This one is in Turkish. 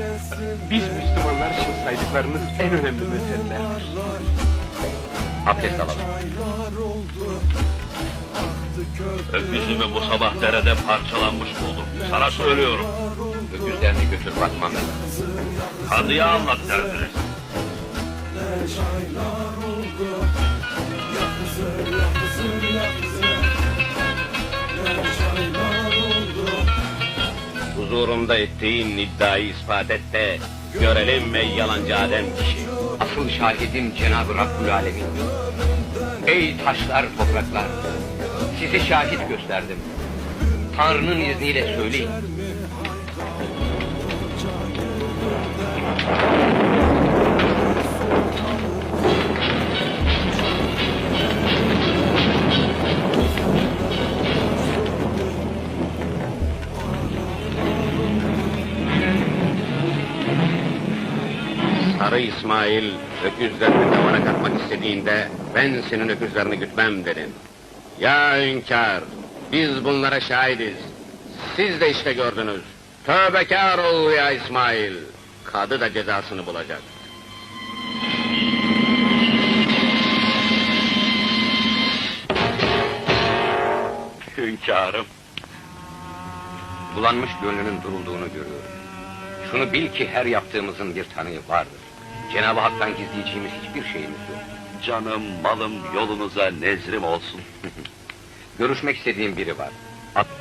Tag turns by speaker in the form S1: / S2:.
S1: Biz Müslümanlar için saydıklarınız en önemli meselelerdir.
S2: Abdest alalım.
S3: Öküzümü bu sabah derede parçalanmış buldum. Sana söylüyorum.
S2: Öküzlerini götür bakmam lazım.
S3: Kadıya anlat derdiniz.
S2: Huzurumda ettiğin iddiayı ispat et de görelim ey yalancı Adem kişi. Asıl şahidim Cenab-ı Rabbül Alemin. Ey taşlar, topraklar, sizi şahit gösterdim. Tanrı'nın izniyle söyleyin. Sarı İsmail öküzlerini tavana katmak istediğinde ben senin öküzlerini gütmem dedim. Ya hünkâr, biz bunlara şahidiz. Siz de işte gördünüz. Tövbekâr ol ya İsmail. Kadı da cezasını bulacak.
S3: Hünkârım.
S2: Bulanmış gönlünün durulduğunu görüyorum. Şunu bil ki her yaptığımızın bir tanığı vardır. Cenab-ı Hak'tan gizleyeceğimiz hiçbir şeyimiz yok.
S3: Canım, malım yolunuza nezrim olsun.
S2: Görüşmek istediğim biri var.